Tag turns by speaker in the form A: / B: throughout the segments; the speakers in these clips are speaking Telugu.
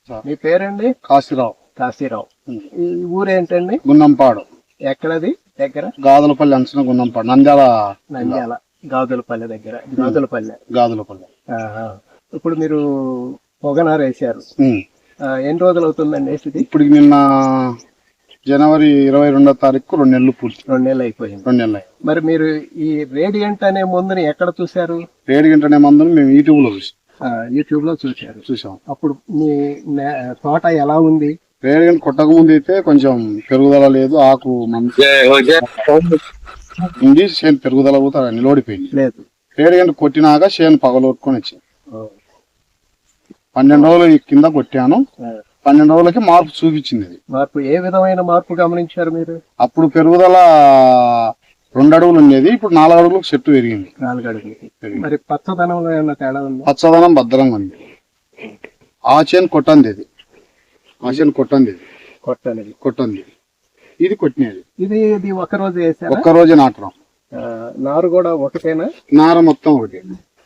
A: మీ పేరండి?
B: కాశీరావు.
A: కాశీరావు. ఈ ఊరేంటండి?
B: గున్నంపాడు.
A: ఎక్కడది? దగ్గర
B: గాదులపల్లి అంచున గున్నంపాడు, నంద్యాల.
A: గాజులపల్లి దగ్గర.
B: గాదులపల్లి.
A: ఇప్పుడు మీరు పొగనారు వేసారు, ఎన్ని రోజులు అవుతుందండి వేసింది?
B: ఇప్పుడు నిన్న జనవరి 22వ తారీఖు 2 నెలలు పూర్తి.
A: 2 నెలలు అయిపోయింది.
B: 2 నెలలు.
A: మరి మీరు ఈ రేడియంట్ అనే మందుని ఎక్కడ చూసారు?
B: రేడియంట్ అనే మందుని మేము యూట్యూబ్ లో చూసాం. అప్పుడు
A: మీ తోట ఎలా ఉంది?
B: రేడియంట్ కొట్టక ముందు అయితే కొంచెం పెరుగుదల లేదు, ఆకు ఉంది, చేను పెరుగుదల కూడా నిలబడిపోయింది.
A: లేదు.
B: రేడియంట్ కొట్టినాక చేను పగలొట్టుకొని వచ్చింది. 12 రోజులు కింద కొట్టాను. 12 రోజులకి మార్పు చూపించింది.
A: మార్పు ఏ విధమైన మార్పు గమనించారు మీరు?
B: అప్పుడు పెరుగుదల 2 అడుగులు ఉండేది, ఇప్పుడు 4 అడుగులకు చెట్టు పెరిగింది.
A: 4 అడుగులకి. మరి పచ్చదనంలో ఏమన్నా తేడా ఉంది?
B: పచ్చదనం భద్రంగా ఉంది. ఆ చేను కొట్టంది ఇది, ఆ చేను కొట్టంది ఇది కొట్టినది.
A: ఇది ఒక రోజు వేసారా?
B: ఒక్క రోజే నాటడం.
A: నారు కూడా ఒకటేనా?
B: నార మొత్తం ఒకటి.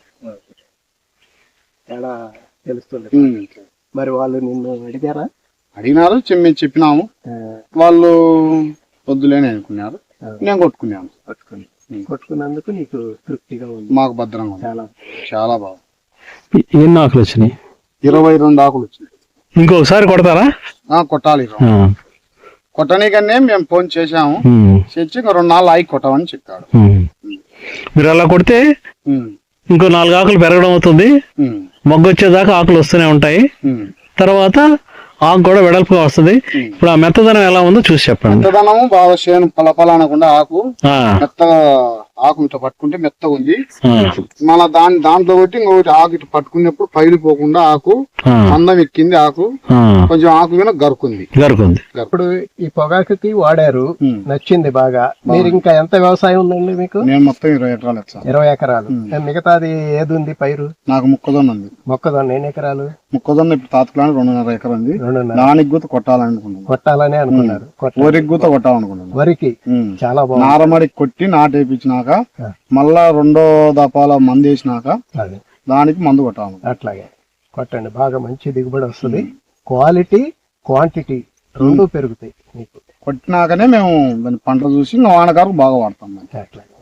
A: తేడా తెలుస్తుంది. మరి వాళ్ళు నిన్ను అడిగారా?
B: అడిగినారు, మేము చెప్పినాము. వాళ్ళు వద్దులేని అనుకున్నారు, నేను కొట్టుకున్నాను.
A: కొట్టుకున్నందుకు నీకు తృప్తిగా ఉంది?
B: మాకు భద్రంగా ఉంది, చాలా బాగా.
C: ఎన్ని ఆకులు వచ్చినాయి?
B: 22 ఆకులు వచ్చినాయి.
C: ఇంకొకసారి కొడతారా?
B: కొట్టాలి. కొట్టనీకనే మేము ఫోన్ చేసాము, చేసి 2 నాళ్ళు ఆగి కొట్టమని చెప్పాడు.
C: మీరు అలా కొడితే ఇంకో 4 ఆకులు పెరగడం అవుతుంది, మొగ్గ వచ్చేదాకా ఆకులు వస్తూనే ఉంటాయి, తర్వాత ఆకు కూడా వెడల్పుగా వస్తుంది. ఇప్పుడు ఆ మెత్తదనం ఎలా ఉందో చూసి చెప్పండి.
B: మెత్తదనము బాగా చేను పలపల అనకుండా ఆకు మెత్తగా, ఆకు ఇట్లా పట్టుకుంటే మెత్తగా ఉంది. మళ్ళా దాంట్లో ఒకటి ఇంకొకటి ఆకు ఇట్లా పట్టుకున్నప్పుడు పైలిపోకుండా ఆకు అందం ఎక్కింది, ఆకు కొంచెం ఆకు మీద గరుకుంది.
A: ఇప్పుడు ఈ పొగాకుకి వాడారు, నచ్చింది బాగా. మీరు ఇంకా ఎంత వ్యవసాయం ఉందండి మీకు?
B: నేను మొత్తం 20 ఎకరాలు.
A: 20 ఎకరాలు. మిగతాది ఏది ఉంది పైరు?
B: నాకు మొక్కజొన్న ఉంది.
A: మొక్కజొన్న ఎన్ని ఎకరాలు?
B: మొక్కజొన్న ఇప్పుడు తాతకులాంటి 2.5 ఎకరం ఉంది. దానికి గుత
A: కొట్టాలని అనుకున్నారు.
B: వరికి గుత కొట్టాలనుకున్నాను.
A: వరికి చాలా బాగుంది.
B: నారమడికి కొట్టి నాటేపించినాక మళ్ళా 2వ దపాల మందు వేసినాక దానికి మందు కొట్టాలి.
A: అట్లాగే కొట్టండి, బాగా మంచి దిగుబడి వస్తుంది. క్వాలిటీ క్వాంటిటీ 2 పెరుగుతాయి మీకు.
B: కొట్టినాకనే మేము పంట చూసి వానకారు బాగా వాడతాం.
A: అట్లాగే.